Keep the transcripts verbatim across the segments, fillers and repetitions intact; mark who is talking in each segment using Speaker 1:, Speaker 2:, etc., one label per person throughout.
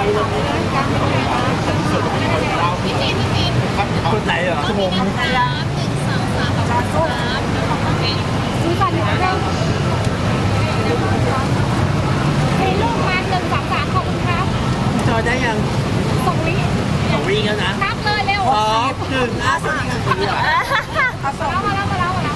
Speaker 1: คนไหนเหรอชั่วโมงนึง
Speaker 2: ซื้อก่อนหนึ่งเรื่องเฮ้ยลูกมาหนึ่งสามสามขอบคุณครับ
Speaker 1: จอได้ยัง
Speaker 2: ส่งวิ
Speaker 1: สองวิ่งแล้วนะ
Speaker 2: นับเลยเร็ว
Speaker 1: สองหนึ่งอ่ะสามสี่เหรอ
Speaker 2: มาแล้วมาแล้วมาแล้วมาแล้ว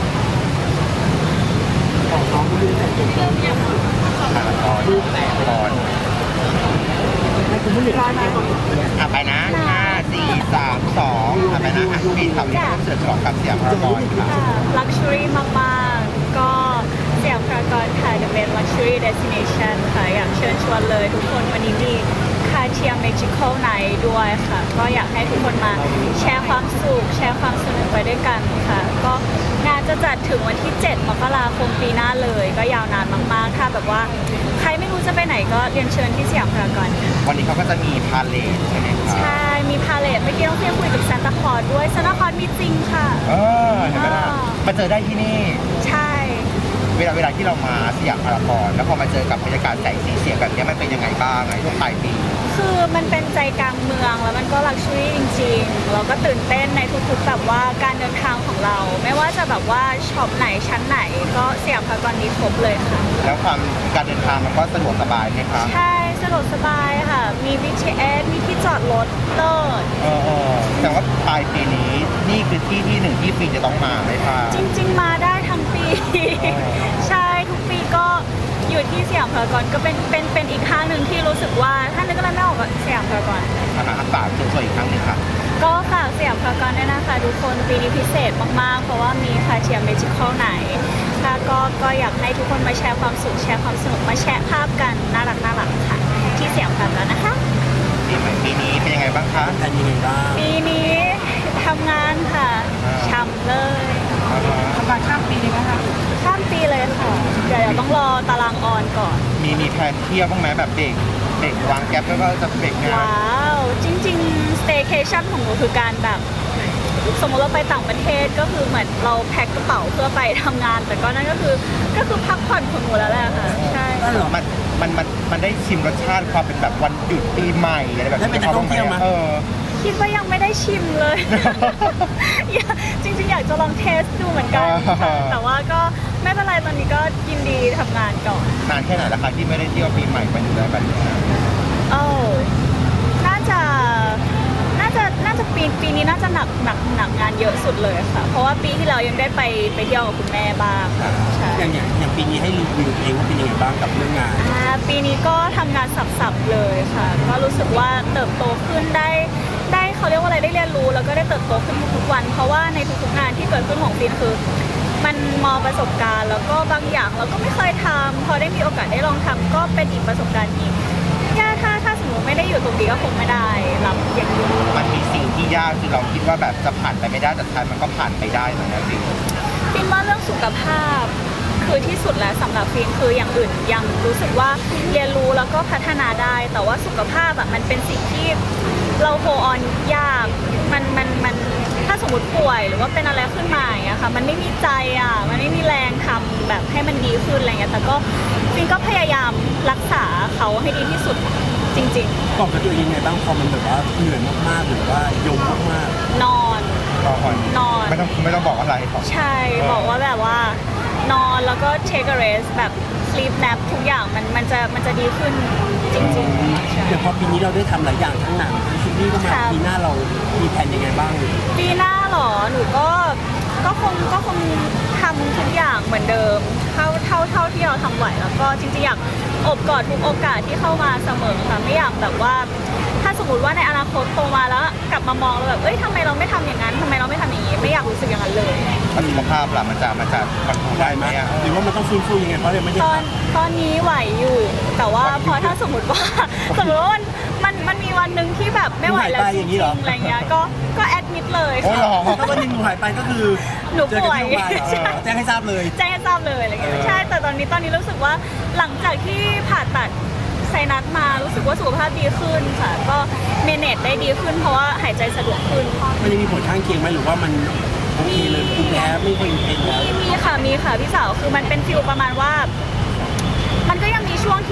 Speaker 1: ของน้องดูแต่ตัวดูแต่ก่อนให้คุณผู้หญิงร้อยไหม
Speaker 3: อ่ะไปนะห้าสี่สามสองอ่ะไปนะอ่ะปีแถวนี้ต้องเสือฉลองกับเสียงพารากอนค่ะ
Speaker 4: ลักชัวรี่มากๆ ก็สยามพารากอนค่ะจะเป็น luxury destination ค่ะ อยากเชิญชวนเลยทุกคนวันนี้มีคาเทียม magical night ด้วยค่ะ ก็อยากให้ทุกคนมาแชร์ความสุข แชร์ความสนุกไปด้วยกันค่ะ ก็งานจะจัดถึงวันที่ เจ็ด มกราคมปีหน้าเลย ก็ยาวนานมากๆ ถ้าแบบว่าใครไม่รู้จะไปไหนก็เรียนเชิญที่สยามพารากอนค่ะ
Speaker 3: วันนี้เขาก็จะมีพาเลทใช่ไหมครับ
Speaker 4: ใช่ มีพาเลทเมื่อกี้น้องเพียงคุยกับซานตาคลอสด้วยซานตาคลอสมีจริงค่ะ
Speaker 3: เออเห็นไหมล่ะมาเจอได้ที่นี่
Speaker 4: ใช่
Speaker 3: เวลาเวลาที่เรามาสยามพารากอนแล้วพอมาเจอกับบรรยากาศแสงสีเสียงแบบนี้มันเป็นยังไงบ้างในช่วงปลายปี
Speaker 4: คือมันเป็นใจกลางเมืองแล้วมันก็ลักชัวรี่จริงๆเราก็ตื่นเต้นในทุกๆแบบว่าการเดินทางของเรา ไม่ว่าจะแบบว่าช็อปไหนชั้นไหนก็สยามพารากอนมีครบเลยค่ะ
Speaker 3: แล้วความการเดินทางมันก็สะดวกสบายไหมครับ
Speaker 4: ใช่สะดวกสบายค่ะ มี บี ที เอส มีที่จอดรถเลิศ
Speaker 3: เออเออแต่ว่าปลายปีนี้นี่คือที่ที่หนึ่งที่ปีจะต้องมาไหมคะ
Speaker 4: จริงๆมาได้ทั้งปี ใช่ทุกปีก็อยู่ที่สยามพารากอนก็เป็นเป็นเป็นอีกห้างหนึ่งที่รู้สึกว่าถ้านึกอะไรไม่ออกก็สยามพารากอน
Speaker 3: อาหารฝากตัวอีกครั้งหนึ่งค่ะ
Speaker 4: ก็ฝากสยามพารากอนด้วยนะคะทุกคนปีนี้พิเศษมากๆ เพราะว่ามีคาเทียมเมจิคอลไหนค่ะก็ก็อยากให้ทุกคนมาแชร์ความสุขแชร์ความสนุกมาแชร์ภาพกันน่ารักน่ารักค่ะ ที่สยามพารากอนนะคะ
Speaker 3: ปีใหม่ปีนี้เป็นยังไงบ้างคะ
Speaker 1: แทนยังไงบ้าง
Speaker 4: ปีนี้ทำงานค่ะช่ำเลย
Speaker 2: ทำงานข้ามปีเลยนะคะ
Speaker 4: ข้ามปีเลยค่ะเดี๋ยวเดี๋ยวต้องรอตารางออนก่อน
Speaker 3: มีมีแผนเที่ยวบ้างไหมแบบเด็กเด็กวางแก๊ปแล้วก็จะเบรกงาน
Speaker 4: ว้าวจริงๆ staycation ของหนูคือการแบบสมมติเราไปต่างประเทศก็คือเหมือนเราแพ็คกระเป๋าเพื่อไปทำงาน แต่ก็นั่นก็คือก็คือพักผ่อนของหนูแล้วแหละค่ะใช่
Speaker 1: ได้เหรอ
Speaker 3: มันมันมันมันได้ชิมรสชาติความเป็นแบบวันหยุดปีใหม่อะไรแบบ
Speaker 1: ได้เป็นนักท่องเที่ยวมั้ย
Speaker 3: เออ
Speaker 4: คิดว่ายังไม่ได้ชิมเลย อยากจริงๆ อยากจะลองเทสดูเหมือนกันค่ะแต่ว่าก็ไม่เป็นไรตอนนี้ก็ยินดีทำงานก่อน
Speaker 3: นานแค่ไหนแล้วคะที่ไม่ได้เที่ยวปีใหม่มาอยู่ได้แบบนี้
Speaker 4: โอ้น่าจะ น่าจะ น่าจะปี ปีนี้น่าจะหนักหนักหนักงานเยอะสุดเลยค่ะ เพราะว่าปีที่แล้วยังได้ไปไปเที่ยวกับคุณแม่บ้างค่ะใช่
Speaker 1: อย่างอย่างอย่างปีนี้ให้รีวิวเองว่าเป็นยังไงบ้างกับเรื่องงาน
Speaker 4: อ่าปีนี้ก็ทำงานสับๆเลยค่ะ ก็รู้สึกว่าเติบโตขึ้นได้ ได้เขาเรียกว่าอะไรได้เรียนรู้ แล้วก็ได้เติบโตขึ้นทุกๆวัน เพราะว่าในทุกๆงานที่เกิดขึ้นของปีนคือ มันมองประสบการณ์แล้วก็บางอย่างเราก็ไม่เคยทำพอได้มีโอกาสได้ลองทำก็เป็นอีกประสบการณ์ที่ยากถ้าถ้าสมมติไม่ได้อยู่ตรงนี้ก็คงไม่ได้รับอย่างนี้
Speaker 3: มันมีสิ่งที่ยากที่เราคิดว่าแบบจะผ่านไปไม่ได้แต่ท้ายมันก็ผ่านไปได้เหมือนกันจริง
Speaker 4: ฟิล์มว่าเรื่องสุขภาพคือที่สุดแล้วสำหรับฟิล์มคืออย่างอื่นยังรู้สึกว่าเรียนรู้แล้วก็พัฒนาได้ แต่ว่าสุขภาพอะมันเป็นสิ่งที่เราโฮออนยากมันมันมันถ้าสมมติป่วยหรือว่าเป็นอะไรขึ้นมาอย่างเงี้ยค่ะมันไม่มีใจอ่ะมันไม่มีแรงทำแบบให้มันดีขึ้นอะไรเงี้ยแต่ก็ฟิล์มก็พยายามรักษาเขาให้ดีที่สุดจริง
Speaker 1: ตอบกับตัวเองยังไงบ้างพอมันแบบว่าเหนื่อยมากๆหรือว่ายมมาก
Speaker 4: ๆ นอน
Speaker 3: รอก่อน
Speaker 4: นอน
Speaker 3: ไม่ต้องไม่ต้องบอกอะไรหรอก
Speaker 4: ใช่ บอกว่าแบบว่านอนแล้วก็ take a rest แบบ sleep nap ทุกอย่างมันมันจะมันจะดีขึ้นจริงๆใช่
Speaker 1: ๆอย่างพอปีนี้เราได้ทำหลายอย่างทั้งหนังทั้งซีรีส์ก็มา
Speaker 4: ครับ
Speaker 1: ปีหน้าเรามีแผนยังไงบ้าง
Speaker 4: ปีหน้าเหรอ หนูก็ก็คงก็คงทำทุกอย่างเหมือนเดิม เท่าเท่าเท่าที่เราทำไหวแล้วก็จริงๆอยากอบกอดทุกโอกาสที่เข้ามาเสมอค่ะไม่อยากแบบว่า ถ้าสมมติว่าในอนาคตโตมาแล้วกลับมามองแล้วแบบเอ้ยทำไมเราไม่ทำอย่างนั้นทำไมเราไม่ทำอย่างนี้ไม่อยากรู้สึกอย่างนั้นเลย
Speaker 3: สุขภาพล่ะมันจะมันจะคอนโทรลได้
Speaker 1: ได้
Speaker 3: ไห
Speaker 1: ไห
Speaker 3: ม
Speaker 1: ม
Speaker 3: อะ
Speaker 1: หรือว่ามันต้องฟื้นฟูยังไงเพราะยังไม่ได้
Speaker 4: ตอนตอนนี้ไหวอยู่ แต่ว่าพอถ้าสมมติว่า สมมติว่ามันมันมันมีวันหนึ่งที่แบบไม่ไหวแล้วจริงๆอะไรเงี้ยก็ก็แอดมิดเลย
Speaker 3: โอ้ยหรอ
Speaker 4: ค่ะ
Speaker 1: ถ้าวันหนึงหนูหายไปก็คือ
Speaker 4: หนู
Speaker 1: เจอ
Speaker 4: ป่
Speaker 1: กัน
Speaker 4: วย
Speaker 1: ที่โรงพยาบาลเหรอ
Speaker 4: ใช่
Speaker 1: แจ้งให้ทราบเลย
Speaker 4: แจ้งให้ทราบเลยอะไรเงี้ยใช่แต่ตอนนี้ตอนนี้รู้สึกว่าหลังจากที่ผ่าตัดไซนัสมารู้สึกว่าสุขภาพดีขึ้นค่ะ ก็เมเนจได้ดีขึ้นเพราะว่าหายใจสะดวกขึ้น
Speaker 1: มันยังมีผลข้างเคียงไหมหรือว่ามันโอเคเลยภูมิแพ้ไม่เคยเป็นแล้ว
Speaker 4: มีมีค่ะมีค่ะพี่สาวคือมันเป็นฟิลประมาณว่า มันก็ยังมีช่วงที่สมมติ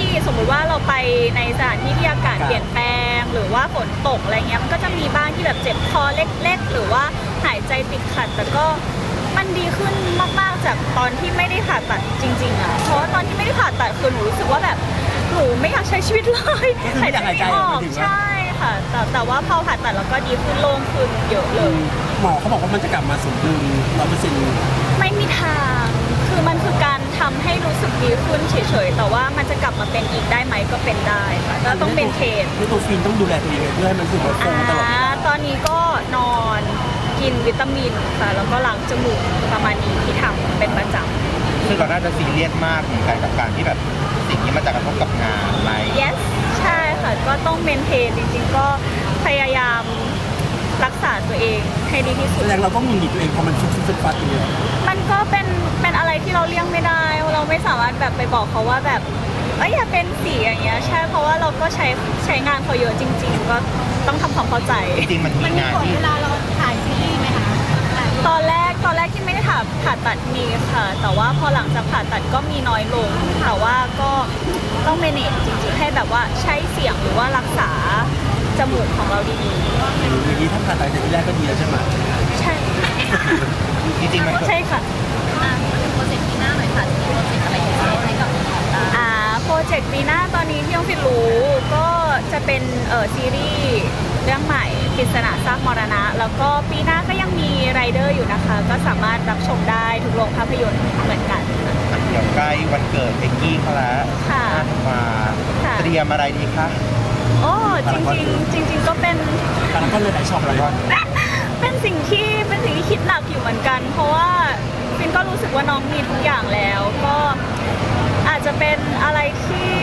Speaker 4: ติว่าเราไปในสถานที่ที่อากาศเปลี่ยนแปลงหรือว่าฝนตกอะไรเงี้ยมันก็จะมีบ้างที่แบบเจ็บคอเล็กๆหรือว่าหายใจติดขัดแต่ก็มันดีขึ้นมากๆจากตอนที่ไม่ได้ผ่าตัดจริงๆอ่ะเพราะว่าตอนที่ไม่ได้ผ่าตัดคือหนูรู้สึกว่าแบบหนูไม่อยากใช้ชีวิตเลยหายใจไม่ออกใช่ค่ะแต่แต่ว่าพอผ่าตัดแล้วก็ดีขึ้นโล่งขึ้นเยอะเลย
Speaker 1: หมอเขาบอกว่ามันจะกลับมาสมดุลร้อยเปอร์เซ็นต์
Speaker 4: ไม่มีทาง คือมันคือการทำให้รู้สึกดีขึ้นเฉยๆ แต่ว่ามันจะกลับมาเป็นอีกได้ไหมก็เป็นได้ค่ะก็ต้องเป็นเทรน
Speaker 1: นี่ตัวฟินต้องดูแลตัวเองเพื่อให้มันรู้สึกว่าคงตลอด
Speaker 4: อ่าตอนนี้ก็นอนกินวิตามินค่ะ แล้วก็ล้างจมูกประมาณนี้ที่ทำเป็นประจำ
Speaker 3: ซึ่งเราน่าจะซีเรียสมากเหมือนกันกับการที่แบบสิ่งนี้มันจะกระทบกับงานไหม
Speaker 4: yes ใช่ค่ะ ก็ต้องเมนเทนจริงๆ ก็พยายามรักษาตัวเองให้ดีที่สุ
Speaker 1: แส
Speaker 4: ด
Speaker 1: ดงเราต้องหงุดหงิดตัวเองพอมันฟุดฟุดฟัดอย่างเงี้ย
Speaker 4: มันก็เป็นเป็นอะไรที่เราเลี่ยงไม่ได้ เราไม่สามารถแบบไปบอกเขาว่าแบบเอ้ยอย่าเป็นสีอย่างเงี้ยใช่เพราะว่าเราก็ใช้ใช้งานเขาเยอะจริง ๆ ก็ต้องทำความเข้าใจ
Speaker 3: จริงๆมันมีงานที่
Speaker 2: เวลาเราถ่ายซีรีส์ไหมคะ
Speaker 4: ตอนแรกตอนแรกที่ไม่ได้ผ่าผ่าตัดมีค่ะ แต่ว่าพอหลังจากผ่าตัดก็มีน้อยลงแต่ว่าก็ต้องเมเนจจริงๆให้แบบว่าใช้เสียงหรือว่ารักษาจมูกของเราดี
Speaker 1: อย่างนี้ถ้าผ่าตัดแต่ที่แรกก็ดีแล้วใช่ไหม
Speaker 4: ๆใช่
Speaker 3: จริงๆมัน
Speaker 4: ใช่ค่ะ
Speaker 2: โปรเจกต์ปีหน้าหน่อยค่ะจะมีโปรเจกต์อะไรพิเศษให้กับน้องๆบ้าง
Speaker 4: อ่าโปรเจกต์ปีหน้าตอนนี้ที่น้องฟิตรู้ก็จะเป็นเอ่อซีรีส์เรื่องใหม่ปริศนาซากมรณะ แล้วก็ปีหน้าก็ยังมีไรเดอร์อยู่นะคะ ก็สามารถรับชมได้ทุกโรงภาพยนตร์เหมือนกัน
Speaker 3: เดี๋ยวใกล้วันเกิดเอ็กกี้เขาแล้ว
Speaker 4: ค่ะ
Speaker 3: มา
Speaker 4: ค่ะ
Speaker 3: เตรียมอะไรดีคะ
Speaker 4: โอ้จริงๆจริง ๆ ก็เป็น
Speaker 1: แต่ละก็เลยหลายช็อป
Speaker 3: แล้
Speaker 1: เล
Speaker 3: วย ก็
Speaker 4: เป็นสิ่งที่เป็นสิ่งที่คิดหนักอยู่เหมือนกัน เพราะว่าฟินก็รู้สึกว่าน้องมีทุกอย่างแล้ว ก็อาจจะเป็นอะไรที่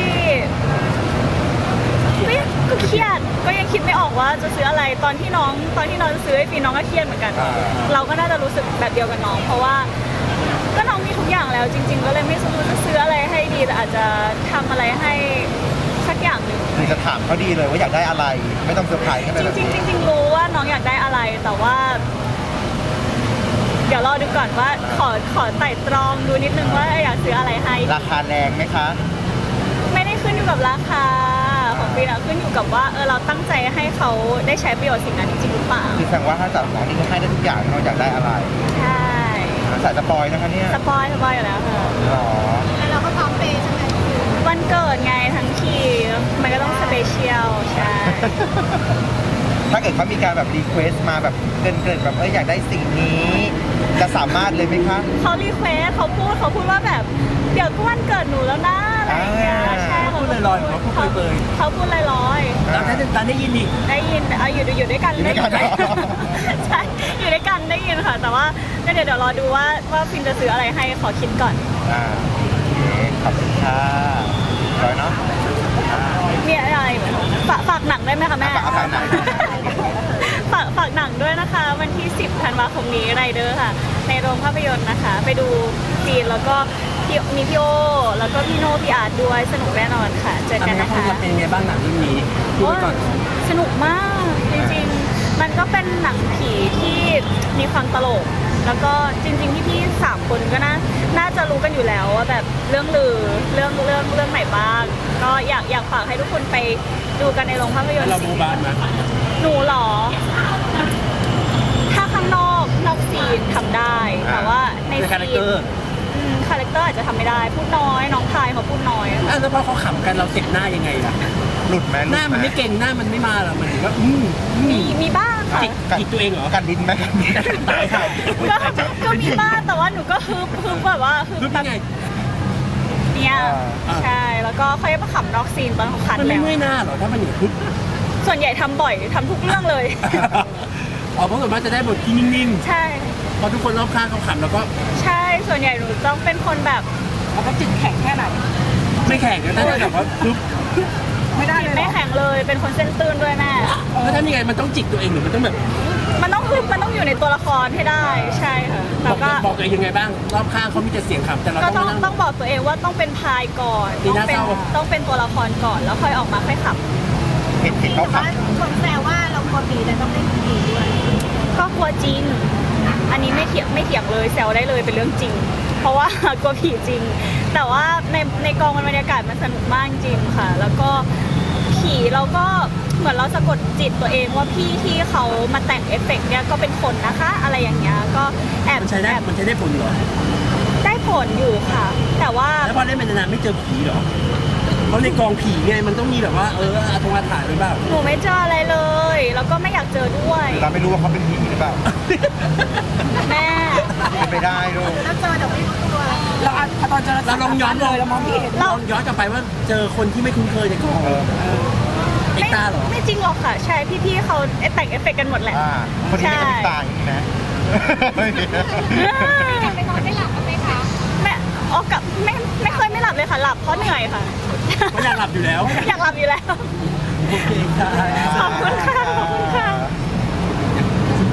Speaker 4: ก็ยังก็เครียดก็ยังคิดไม่ออกว่าจะซื้ออะไรตอนที่น้องตอนที่น้องจะซื้อให้ฟินน้องก็เครียดเหมือนกัน เราก็น่าจะรู้สึกแบบเดียวกับน้อง เพราะว่าก็น้องมีทุกอย่างแล้ว จริง ๆ ก็เลยไม่รู้จะซื้ออะไรให้ดีแต่อาจจะทำอะไรให้สักอย่างหนึ่ง
Speaker 3: คือจะถามเขาดีเลยว่าอยากได้อะไร ไม่ต้องเซอร์ไพรส์กันไป
Speaker 4: จ
Speaker 3: แบบ
Speaker 4: ริง
Speaker 3: นี้
Speaker 4: ๆจริงๆรู้ว่าน้องอยากได้อะไรแต่ว่า เดี๋ยวรอดูก่อนว่าขอขอไต่ตรองดูนิดนึงว่าอยากซื้ออะไรให้
Speaker 3: ราคาแรงไหมคะ
Speaker 4: ไม่ได้ขึ้นอยู่กับราคาของปีนะขึ้นอยู่กับว่าเออเราตั้งใจให้เขาได้ใช้ประโยชน์สิ่งนั้นจริงๆหรือเปล่า
Speaker 3: คือแสดงว่าถ้าจับน้องนี่ก็ให้ได้ทุกอย่างเราอยากได้อะไร
Speaker 4: ใช่
Speaker 3: สายสปอยนะคะเนี่ย
Speaker 4: สปอยสปอยอยู่แล้วค่ะ
Speaker 3: หรอ
Speaker 2: แล้วเราก็พร้อมเปย์ใช่ไหม
Speaker 4: วันเกิดไงทั้งทีมันก็ต้องสเปเชียลใช่
Speaker 3: ถ้าเกิดเขามีการแบบรีเควสต์มาแบบเกินเกินๆแบบเอออยากได้สิ่งนี้ จะสามารถเลยไหมคะ
Speaker 4: เขารีเควสเขาพูดเขาพูดว่าแบบเดี๋ยวก็วันเกิดหนูแล้วนะอะไรอย่างเงี้ย
Speaker 3: อ่า
Speaker 4: ใช่
Speaker 1: พูดลอยๆหรือว่าพูดเปรย
Speaker 4: เขาพูดลอยๆ
Speaker 1: แล้วถ้าจะได้ยินอีก
Speaker 4: ได้ยินเอาอยู่อยู่ด้วยกัน
Speaker 3: อยู่ด้วยกัน
Speaker 4: ได้
Speaker 3: เหรอ
Speaker 4: ใช่อยู่ด้วยกันได้ยินค่ะ แต่ว่าก็เดี๋ยวเดี๋ยวรอดูว่าว่าฟินจะซื้ออะไรให้ขอคิดก่อน
Speaker 3: อ่าโอเคขอบคุณค่ะร้อยเนาะอ่า
Speaker 4: มีอะไรไหมฝากฝากหนังได้ไหมคะแม่
Speaker 3: ฝากฝากหนัง
Speaker 4: ฝากฝากหนังด้วยนะคะ วันที่สิบธันวาคมนี้ไรเดอร์ค่ะ ในโรงภาพยนตร์นะคะ ไปดูจีนแล้วก็พี่มีพี่โอแล้วก็พี่โนพี่อาร์ตด้วยสนุกแน่นอนค่ะ เจอ
Speaker 1: อัน
Speaker 4: กัน
Speaker 1: นี้
Speaker 4: นะ
Speaker 1: เขา
Speaker 4: คะ
Speaker 1: จะเป็นไงบ้างหนังเรื่องนี้พูดไว้ก่อน
Speaker 4: สนุกมากจริงๆ มันก็เป็นหนังผีที่มีความตลก แล้วก็จริงๆพี่ๆสามคนก็น่าน่าจะรู้กันอยู่แล้วว่าแบบเรื่องลือเรื่องเรื่องเรื่องไหนบ้าง ก็อยากอยากฝากให้ทุกคนไปดูกันในโรงภาพยนตร์
Speaker 1: เราบูบานไหม
Speaker 4: หนูเหรอ ถ้าข้างนอกนอกซีนทำได้ แต่ว่าใน
Speaker 1: ในคาแรค
Speaker 4: ซี
Speaker 1: เต
Speaker 4: น
Speaker 1: อร์
Speaker 4: อืมคาแรคเตอร์อาจจะทำไม่ได้ พูดน้อย น้องพายเขาพูดน้อยอะ
Speaker 1: อ่ะแล้วพอเขาขำกันเราเจ็บหน้ายังไงล่ะ
Speaker 3: หลุดไหม
Speaker 1: หน้ามันไม่เก่งหน้ามันไม่มาหรอมันก็อืมอื
Speaker 4: มี
Speaker 1: ม
Speaker 4: มีบ้างค่ะ
Speaker 1: จิกจิกตัวเองเหรอ
Speaker 3: กันดินไหมกันดินตายค่ะ
Speaker 4: ก็ก็มีบ้างแต่ว่าหนูก็ฮึบฮึบแบบว่าฮึบ
Speaker 1: รู้
Speaker 4: แบ
Speaker 1: ได้
Speaker 4: บ
Speaker 1: ไง
Speaker 4: เนี่ย
Speaker 1: อ่า
Speaker 4: ใช่แล้วก็ค่อยมาขำนอกซีนตอนเขาคัด
Speaker 1: มันไม่
Speaker 4: แล้ว
Speaker 1: เมื่อยหน้าเหรอถ้ามันอย่างพึบ
Speaker 4: ส่วนใหญ่ทำบ่อยทำทุกเรื่องเลย
Speaker 1: อ๋อเพราะส่วนมากจะได้บทที่นิ่ง
Speaker 4: ใช่
Speaker 1: ๆพอทุกคนรอบข้างเขาขำแล้วก็
Speaker 4: ใช่ส่วนใหญ่หนูต้องเป็นคนแบบ
Speaker 2: แล้วก็จิตแข็งแค่ไหน
Speaker 1: ไม่แข่งกันถ้าแบบว่าพึบ
Speaker 2: ไม่ได้เลย
Speaker 4: ไม่แข็งเลยเป็นคนเส้นตื้นด้วยแม่
Speaker 1: แล้วทำยังไงมันต้องจิกตัวเองหรือมันต้องแบบ
Speaker 4: มันต้องฮึบมันต้องอยู่ในตัวละครให้ได้ใช่ค่ะ
Speaker 1: บ
Speaker 4: แล้
Speaker 1: อ
Speaker 4: ว
Speaker 1: ก
Speaker 4: ก็
Speaker 1: บอกตัวเองยังไงบ้าง รอบข้างเขามีแต่เสียงขำแต่เรา
Speaker 4: ก็
Speaker 1: ต้
Speaker 4: ต้
Speaker 1: อ
Speaker 4: อง ง
Speaker 1: นั่ง
Speaker 4: ต้องบอกตัวเองว่าต้องเป็นพายก่อน
Speaker 1: ดี
Speaker 4: ต้อง
Speaker 1: นะ
Speaker 4: เป็น
Speaker 1: เศร้า
Speaker 4: ต้องเป็นตัวละครก่อนแล้วค่อยออกมาค่อยขับ
Speaker 3: เห็นเห็นเขาขับ
Speaker 2: คนแซวว่าเรากลัวผีแต่ต้องเล่นผีด้วย
Speaker 4: ก็กลัวจริง อันนี้ไม่เถียงไม่เถียงเลยแซวได้เลยเป็นเรื่องจริงเพราะว่า กลัวผีจริง แต่ว่าในในกองบรรยากาศมันสนุกมากจริงค่ะ แล้วก็ผีเราก็เหมือนเราสะกดจิตตัวเองว่าพี่ที่เขามาแต่งเอฟเฟกต์เนี่ยก็เป็นคนนะคะ อะไรอย่างเงี้ยก็แอบ
Speaker 1: มันใช้ได้
Speaker 4: แอบ
Speaker 1: มันใช้ได้ผลเหรอ
Speaker 4: ได้ผลอยู่ค่ะ แต่ว่า
Speaker 1: แล้วพอเล่นไปนานๆไม่เจอผีเหรอเพราะในกองผีไงมันต้องมีแบบว่าเอออาตงอาถรรพ์หรือเปล่า
Speaker 4: หนูไม่เจออะไรเลย แล้วก็ไม่อยากเจอด้วย
Speaker 3: เราไม่รู้ว่าเขาเป็นผีหรือเปล่า
Speaker 4: แม่
Speaker 3: เป็นไปได้ลูก
Speaker 2: แล้วเจอเดี๋ยวไม่รู้ตัว
Speaker 5: เราอ่ะพอตอนเจอ
Speaker 1: เราลองย้อน
Speaker 5: เลยเรามองไม่เห็น
Speaker 1: ลองย้อนกลับไปว่าเจอคนที่ไม่คุ้นเคยในกอง
Speaker 3: เออ
Speaker 1: เอ็ก
Speaker 4: ไม่
Speaker 1: ตาเหรอ
Speaker 4: ไม่จริงหรอกค่ะ ใช่พี่ๆเขาแต่งเอฟเฟกต์กันหมดแหละ
Speaker 3: อ่าคนนี้ไม่ต้องตายนะ
Speaker 2: ไปนอนไม่หลับกันไหมคะ
Speaker 4: แม่ออกกับไม่ไม่เคยไม่หลับเลยค่ะ หลับเพราะเหนื่อยค่ะ
Speaker 1: ก็อยากหลับอยู่แล้ว
Speaker 4: อยากหลับอยู่แล้ว
Speaker 1: โอเคค่ะ
Speaker 4: ขอบคุณค่ะ